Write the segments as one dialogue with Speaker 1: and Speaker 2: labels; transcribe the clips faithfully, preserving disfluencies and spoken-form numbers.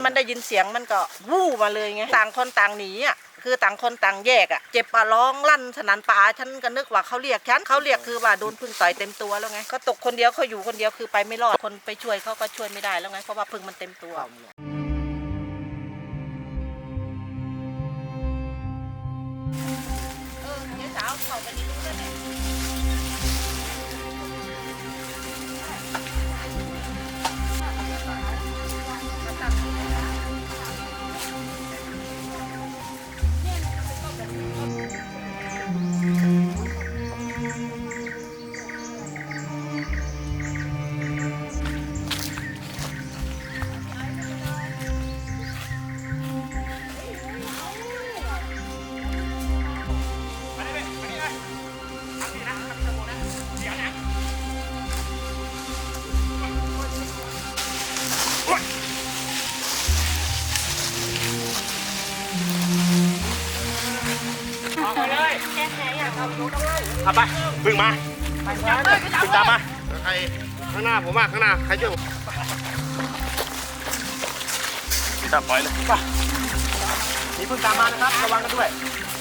Speaker 1: มันได้ยินเสียงมันก็วู้มาเลยไงต่างคนต่างหนีอ่ะคือต่างคนต่างแยกอ่ะเจ็บปะร้องลั่นสนั่นป่าฉันก็นึกว่าเขาเรียกฉันเขาเรียกคือว่าโดนพึ่งต่อยเต็มตัวแล้วไงก็ตกคนเดียวเขาอยู่คนเดียวคือไปไม่รอดคนไปช่วยเขาก็ช่วยไม่ได้แล้วไงเพราะว่าพึ่งมันเต็มตัวเออเดี๋ยวสาวเขาไปนี่รู้ได้ไหม
Speaker 2: เอาไปพึ่งมาพึ่งตามมาใครข้างหน้าผมมาข้างหน้าใครช่วยผมจับปล่อยเลยป่ะนี่พึ่งตามมานะครับระวังกันด้วย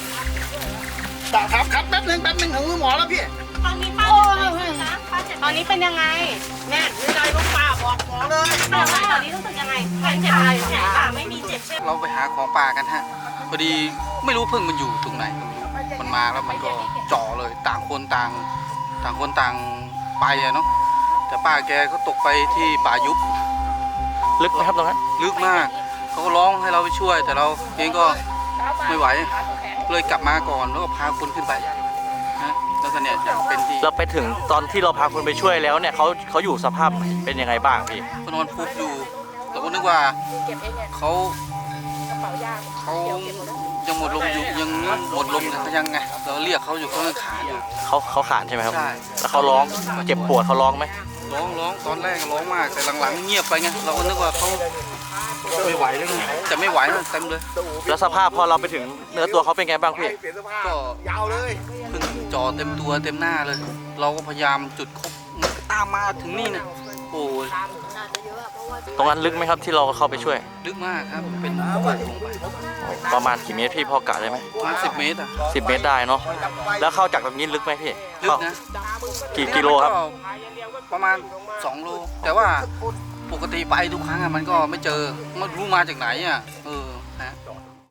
Speaker 2: ครับครับแป๊บนึงแป๊บนึงถึงมือหมอแล้วพี่
Speaker 3: ตอนนี้ป้านะตอนนี้เป็นยังไงแม่มีอะไรลูกป้าบอกหมอเลยตอนนี้รู้สึกยังไงใครเจ็บอะไรแขนขาไม่มีเจ็บใช่ไหม
Speaker 4: เราไปหาของป่ากันฮะพอดีไม่รู้พึ่งมันอยู่ตรงไหนมันมาแล้วมันก็จ่อเลยต่างคนต่างต่างคนต่างไปอะเนาะแต่ป้าแกก็ตกไปที่ป่ายุบ
Speaker 2: ลึกไหมครับตรงนั้น
Speaker 4: ลึกมากเขาก็ร้องให้เราไปช่วยแต่เราเองก็ไม่ไหวเลยกลับมาก่อนแล้วก็พาคนขึ้นไปนะแล้วก็เนี่ยอย่างเป็นที่
Speaker 2: เราไปถึงตอนที่เราพาคนไปช่วยแล้วเนี่ยเขาเขาอยู่สภาพไหนเป็นยังไงบ้างพี่
Speaker 4: เขานอนฟุบอยู่เราก็นึกว่าเขาเขายังหมดลมอยู่ยังหมดลมเขายังไงเราเรียกเขาอยู่เขายังขาอยู่
Speaker 2: เขาเขาขาดใช่ไหมครับ
Speaker 4: ใช่
Speaker 2: แล้วเขาร้องเจ็บปวดเขาร้องไหม
Speaker 4: ร้องร้องตอนแรกร้องมากแต่หลังๆเงียบไปไงเราก็นึกว่าเขาไม่ไหวแล้วไงแต่ไม่ไหวนะเต็มเลย
Speaker 2: แล้วสภาพพอเราไปถึงเนื้อตัวเขาเป็นไงบ้างพี่
Speaker 4: ก็ยาวเลยพึ่งจอเต็มตัวเต็มหน้าเลยเราก็พยายามจุดคบมันตามมาถึงนี่นะโอ้ย
Speaker 2: ตรงนั้นลึกไหมครับที่เราเข้าไปช่วย
Speaker 4: ลึกมากครับเป็นโขดลงไป
Speaker 2: ประมาณกี่เมตรพี่พอกะได้ไหม
Speaker 4: ประมาณสิบเมตรอ่ะ
Speaker 2: สิบเมตรได้เนาะแล้วเข้าจากตรงนี้ลึกไหมพี่
Speaker 4: ลึกนะ
Speaker 2: กี่กิโลครับ
Speaker 4: ประมาณสองโลแต่ว่าปกติไปทุกครั้งอ่ะมันก็ไม่เจอมันรู้มาจากไหนอ่ะเออ